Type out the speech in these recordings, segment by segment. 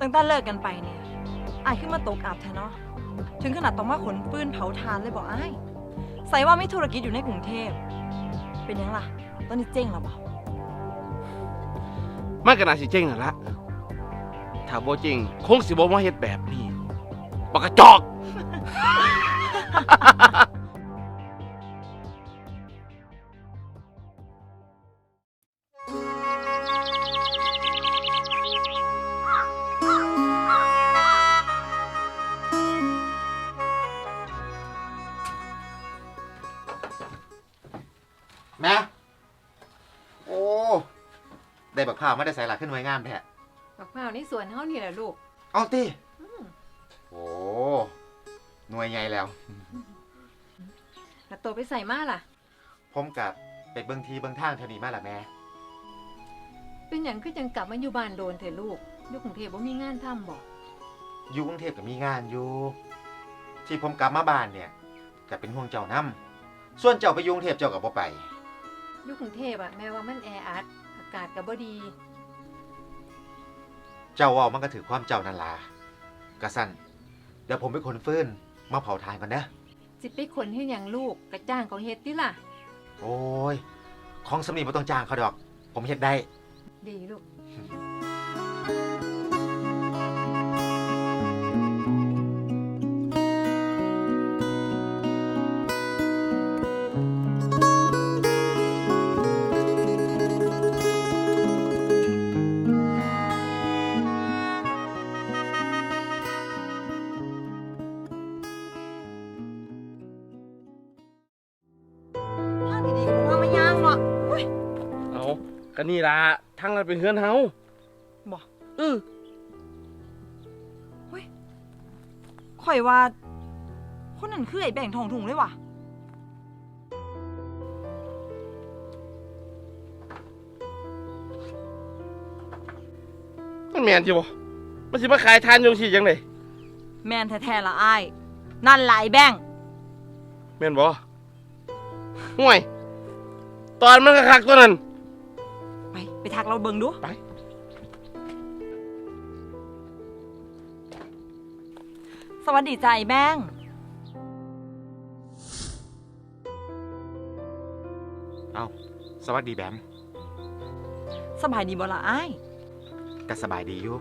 ตั้งแต่เลิกกันไปเนี่ยอายขึ้นมาตกอับแท้เนาะถึงขนาดต้องมาขนปืนเผาถ่านเลยบอกอ้ายใส่ว่ามีธุรกิจอยู่ในกรุงเทพเป็นยังล่ะตอนนี้เจ๊งแล้วบ่มันก็น่าสิเจ๊งนั่นละถ้าบ่จริงคงสิบ่มาเฮ็ดแบบนี้ปากกระจอกแม่โอ้ได้บักข้าวไม่ได้ใส่หลักขึ้นไว้งามแท้บักพร้าวในสวนเฮานี่แหละลูกเอาติโอ้หน่วยใหญ่แล้วแล้วโตไปใส่มาล่ะผมกับไปเบิ่งทีเบิ่งทางเท่านี้มาล่ะแม่เป็นหยังคือจังกลับมาอยู่บ้านโดนเถอะลูกอยู่กรุงเทพบ่มีงานทำบ่อยู่กรุงเทพก็มีงานอยู่ที่ผมกลับมาบ้านเนี่ยก็เป็นห่วงเจ้านำส่วนเจ้าไปอยู่กรุงเทพเจ้าก็บ่ไปอยู่กรุงเทพแม้ว่ามันแออัดอากาศก็บ่ดีเจ้าเว้ามันก็ถือความเจ้านั่นล่ะกะสั่นเดี๋ยวผมไปขนฟืนมาเผาถ่านก่อนเด้อสิไปขนเฮ็ดหยังลูกกระจ้างเขาเฮ็ดติล่ะโอ้ยของสำนีบ่ต้องจ้างเขาดอกผมเฮ็ดได้ดีลูกก็นี่ล่ะทั้งนั้นเป็นเฮือนเฮาบ่เฮ้ยข่อยว่าคนนั้นคือไอ้แบ่งทองถุงเลยว่ะมันแม่นจิบ่มันสิมาขายทานอยู่สิจังได๋แม่นแท้ๆละอ้ายนั่นล่ะไอ้แบ่งแม่นบ่ห่วยตอนมันคักๆตัวนั้นไปทักเราเบิ่งดูไปสวัสดีจ้าไอ้แบงเอาสวัสดีแบมสบายดีบ่ล่ะอ้ายก็สบายดีอยู่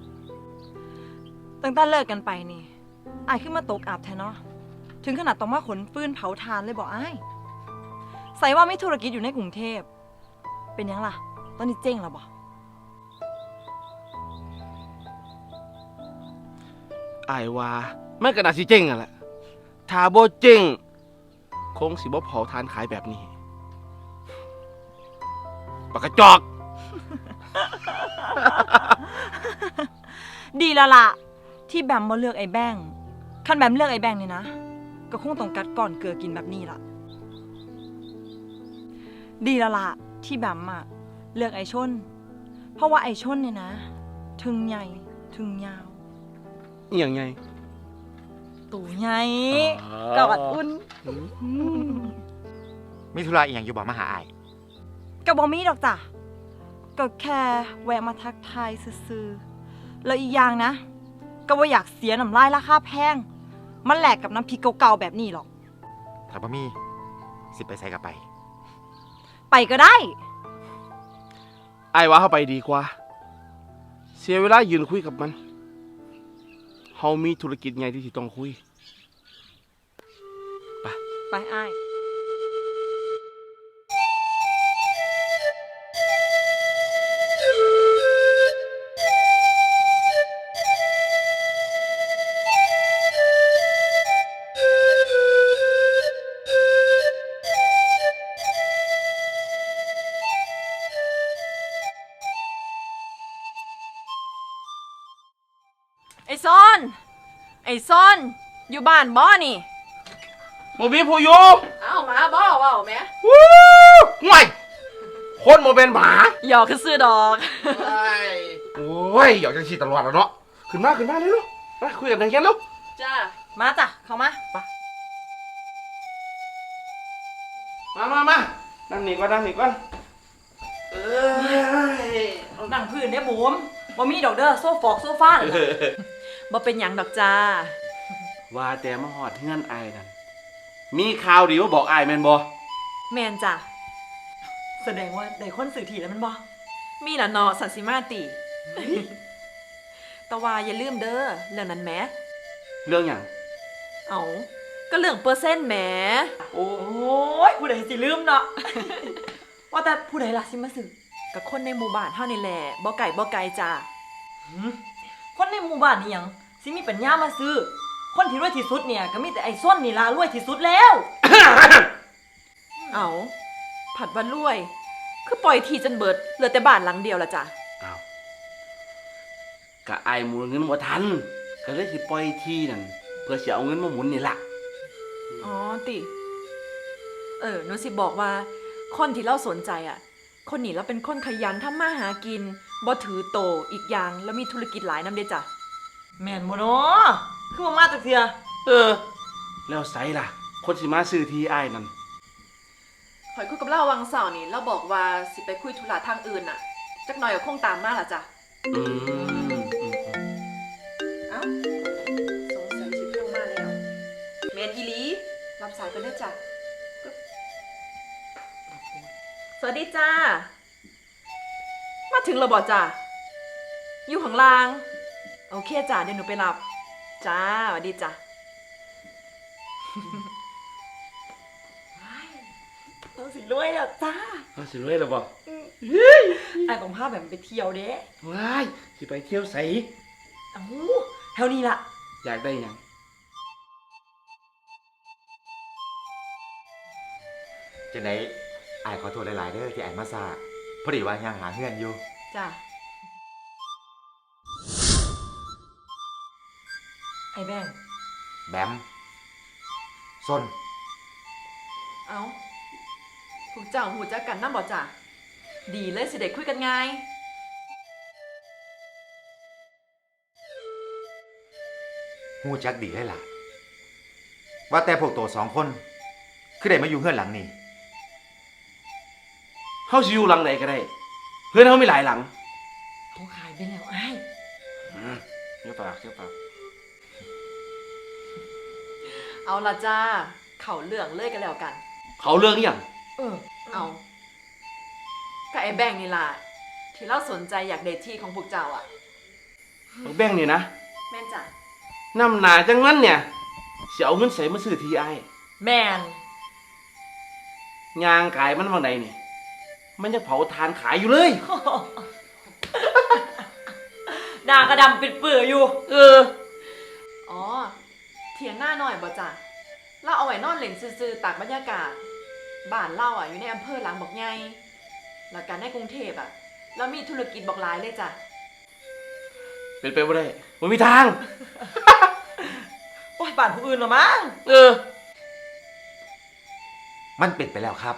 ตั้งแต่เลิกกันไปนี่อ้ายขึ้นมาตกอับแท้เนาะถึงขนาดต้องมาขนปืนเผาถ่านเลยบ่อ้ายใส่ว่ามีธุรกิจอยู่ในกรุงเทพเป็นยังล่ะตอนนี้เจ๊งแล้วบ่อ้ายว่ามันก็น่าสิเจ๊งนั่นแหละถ้าบ่เจ๊งคงสิบ่เผาทานขายแบบนี้ปากกระจอกดีแล้วล่ะที่แบมบ่เลือกไอ้แบงคันแบมเลือกไอ้แบงนี่นะก็คงต้องกัดก่อนเกลือกินแบบนี้ล่ะดีแล้วล่ะที่แบมอะเลือกไอชนเพราะว่าไอชนเนี่ยนะถึงใหญ่ถึงยาวอีหยังไงตู่ใหญ่กอดอุ่นมีธุระอีหยังอยู่บ่มาหาอ้ายก็บ่มีดอกจ้ะก็แค่แวะมาทักทายซื่อๆแล้วอีกอย่างนะก็บ่อยากเสียน้ำลายราคาแพงมันแหลกกับน้ำพริกเก่าๆแบบนี้หรอกถ้าบ่มีสิไปใส่กับไปก็ได้อ้ายว่าเฮาไปดีกว่าเสียเวลายืนคุยกับมันเฮามีธุรกิจใหญ่ที่ต้องคุยไปอ้ายไอ้ซอนอยู่บ้านบ่นี่บ่มีผู้อยู่เอ้าหมาบ่เว้าแม่วู้ห่วยคนบ่เป็นหมาหยอกคือซื้อดอกโอ้ยหยอกจังซี่ตลอดแล้วเนาะขึ้นมาเร็วๆมาคุยกันทางแค่ลูกจ้ามาจ้ะเข้ามาไปมานั่งนี่ก่อนนั่งพื้นเนี่ยบุ๋มบ่มีดอกเด้อโซฟอกโซฟาน่ะบ่เป็นหยังดอกจ้าว่าแต่มาหอดเฮือนอายนั่นมีข่าวดีมาบอกอายแม่นบ่แม่นจ้ะแสดงว่าได้คนสื่อถี่แล้วมันบ่มีล่ะเนาะสันสิมาติ แต่ว่าอย่าลืมเด้อเรื่องนั้นแหมเรื่องหยังเอาก็เรื่องเปอร์เซ็นต์แหมโอ้โอ้ยผู้ใดสิลืมเนาะ ว่าแต่ผู้ใดล่ะสิมาสื่อกับคนในหมู่บ้านเฮานี่แหละบ่ไกลจ้าคนในหมู่บ้านนี่หยังสิมีปัญญามาซื้อ คนที่รวยที่สุดเนี่ยก็มีแต่ไอ้ส้นนี่ล่ะรวยที่สุดแล้วเอาผัดว่ารวย คือปล่อยทีจนเบิดเหลือแต่บ้านหลังเดียวละจ้ะอ้าวกะอายหมุนเงินบ่ทันก็เลยสิปล่อยที่นั่นเพื่อสิเอาเงินมาหมุนนี่ล่ะอ๋อติหนูสิบอกว่า คนที่เราสนใจอ่ะ คนนี้เราเป็นคนขยันทำมาหากินบ่ถือโตอีกอย่างแล้วมีธุรกิจหลายนำเด้จ้ะแม่นบ่เนาะคือบ่มาจักเทื่อแล้วไสล่ะ คนสิมาซื้อที่อายนั่นข่อยคุยกับเราวังเสาร์นี่เราบอกว่าสิไปคุยธุระทางอื่นน่ะ จักหน่อยก็คงตามมาล่ะจ้ะอืมเอ้าสงสัยสิโทรมาแล้วแมนอีหลีรับสายกันเด้อจ้ะกึ๊บสวัสดีจ้า มาถึงแล้วบ่จ้ะอยู่ข้างล่าง โอเคจ้ะเดี๋ยวหนูไปรับ จ้าสวัสดีจ้ะเราสิรวยแล้วจ้าเอาสิรวยแล้วบ่ไอ้ต้องพาแบบไปเที่ยวเด้ว้ายสิไปเที่ยวไสเอ้าแถวนี้ล่ะอยากได้หยังจังไดอายขอโทษหลายๆเด้อที่อายมาซาพอดีว่ายังหาเฮือนอยู่จ้ะไอ้แบงค์แบมส้นเอ้าพวกเจ้าหูจักกันนำบ่จ้ะดีเลยสิได้คุยกันง่ายฮู้จักดีเลยล่ะ ว่าแต่พวกโตสองคน คือได้มาอยู่เฮือนหลังนี่เฮาสิอยู่หลังใดก็ได้ เพื่อนเฮามีหลายหลังเขาขายไปแล้วไอ้เดี๋ยวปากเดี๋ยวปากเอาละจ้า เข่าเรื่องเลยกันแล้วกันเขาเรื่องอหย่างเอาก็ไอ้แบงค์นี่ล่ะ ที่เราสนใจอยากเดทที่ของพวกเจ้าอ่ะบักแบ่งนี่นะแม่นจ้ะน้ำหนาจังนั้นเนี่ยสิเอาเงินใส่มาซื้อที่อายแมนยางขายมันบางใดนี่ มันจะเผาทานขายอยู่เลยหน้ากระดำปิดเปื่อยอยู่อ๋อ เถียงหน้าหน่อยบ่จ้ะเราเอาไว้นอนเล่นซื่อๆตากบรรยากาศ บ้านเราอ่ะอยู่ในอำเภอหลังบอกไงแล้วกันในกรุงเทพอ่ะเรามีธุรกิจบอกหลายเลยจ้ะเป็นไปบ่ได้มันมีทางโอ้ยบ้านผู้อื่นเหรอมั้งมันเป็นไปแล้วครับ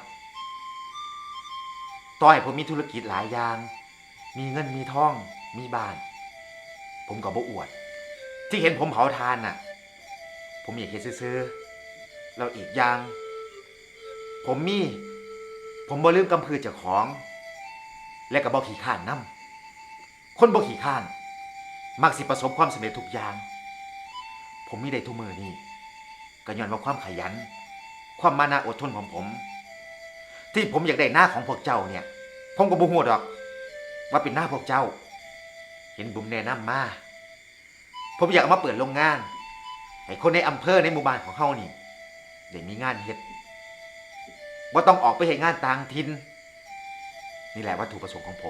ต่อให้ผมมีธุรกิจหลายอย่าง มีเงินมีทอง มีบ้าน ผมก็บ่อวด ที่เห็นผมเผาทานน่ะ ผมอยากเฮ็ดซื่อๆแล้วอีกอย่าง ผมบ่ลืมกำพือเจ้าของ และก็บ่ขี้ข้านนำ คนบ่ขี้ข้าน มักสิประสบความสำเร็จทุกอย่าง ผมมีได้ทุกมือนี่ก็ย้อนว่าความขยัน ความมานะอดทนของผม ที่ผมอยากได้หน้าของพวกเจ้าเนี่ย ผมก็บ่ฮู้ดอก ว่าเป็นหน้าพวกเจ้า เห็นบุ๋มแนะนำมา ผมอยากเอามาเปิดโรงงาน ให้คนในอำเภอในหมู่บ้านของเฮานี่ได้มีงานเฮ็ดบ่ต้องออกไปเฮ็ดงานต่างถิ่นนี่แหละวัตถุประสงค์ของผม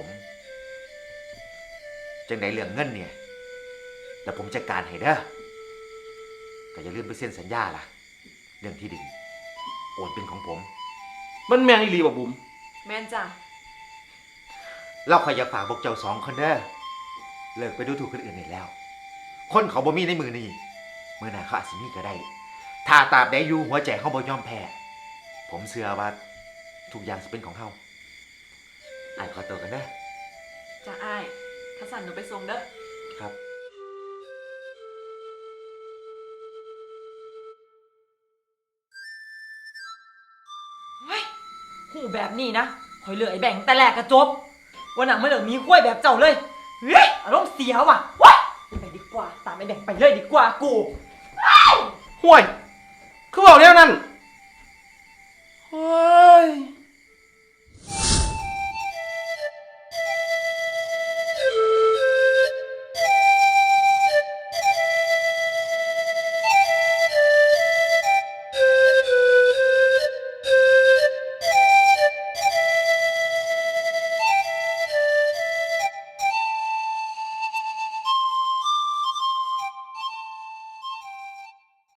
จังไดเรื่องเงินเนี่ยเดี๋ยวผมจัดการให้เด้อก็อย่าลืมไปเซ็นสัญญาล่ะ เรื่องที่ดินโอนเป็นของผมมันแม่นอีหลีบ่บุ๋มแม่นจ้ะเราขอยอยากฝากพวกเจ้าสองคนเด้อเลิกไปดูถูกคนอื่นได้แล้ว คนเขาบ่มีในมือนี่มือหน้าเขาอาจสิมีก็ได้ ถ้าตราบใดอยู่หัวใจเขาบ่ยอมแพ้ ผมเชื่อว่าทุกอย่างสิเป็นของเขาอ่านขอตัวกันเด้อจ้ะอ้ายถ้าสั่นหนูไปส่งเด้อครับหูแบบนี้นะคอยเหลือไอ้แบงค์แต่แรกกระจบ วันหนังไม่เหลือมีกล้วยแบบเจ้าเลยเฮ้ยอารมณ์เสียว่ะว้ายไปดีกว่า ตามไอ้แบ่งไปเลยดีกว่ากูห่วย คือบอกแล้วนั่น